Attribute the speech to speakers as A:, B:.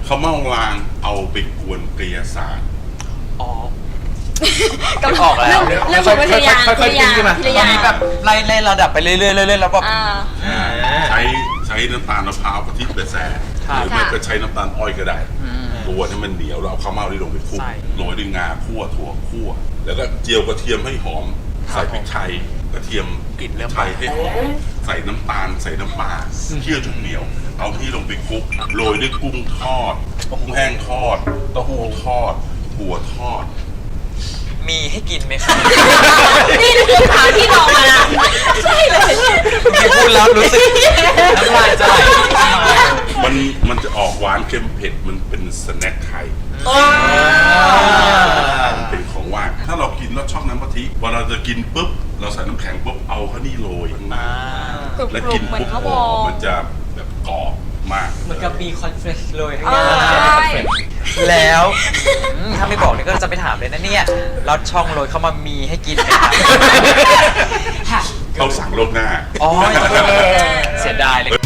A: ข้าวเม่ารางเอาไปกวนกระยาศาสตร์
B: อ๋อ
C: กำลัง
B: ออกแล้ว
C: เริ่มเป็นวิทยา
D: ค่อยๆขึ้นมา
C: วิท
B: ตอน
C: ยา
B: นี้แบบไล่ระดับไปเรื่อยๆเรื่อยๆแล้วก็
A: ใช้น้ำตาลมะพร้าวกะทิแต่แซ่หรือไม่ก็ใช้น้ำตาลอ้อยก็ได้ตัวให้มันเหนียวแล้วเอาข้าวเม่าที่ลงไปคลุกโรยด้วยงาคั่วถั่วคั่วแล้วก็เจียวกระเทียมให้หอมใส่พริกไทยกระเทียม
B: กลิ่นเริ่ม
A: ไทยให้หอมใส่น้ำตาลใส่น้ำปลาเคี่ยวจนเหนียว เอาที่ลงไปคลุกโรยด้วยกุ้งทอดกุ้งแห้งทอดเต้าหู้ทอดถั่วทอด
B: มีให้กินไหมครับ
C: นี่คือถามที่บอกมานะใช่เลย
B: พี่พูดแล้วรู้สึกน้ำลายจะไหล
A: มันจะออกหวานเค็มเผ็ดมันเป็นสแน็คไทยมันเป็นของว่างถ้าเรากินแล้วชอบน้ำกะทิพอเราจะกินปุ๊บเราใส่น้ำแข็งปุ๊บเอาข้าวนี่โรยข้างหน้าแล้วกิน
C: เหมือน
A: ปุ๊บ
C: ข้าวบ
A: โอ้
C: อ
A: มันจะแบบกรอบมาก
D: เหมือนกับมีคอนเฟรชเลยทั้ง
C: ใช่
D: นั้น
B: แล้วถ้าไม่บอกเนี่ยก็จะไปถามเลยนะเนี่ยรถช่องโรยเข้ามามีให้กินไหมครับ
A: เขาสั่งโลกหน้า
B: อ๋อเสียดายเลย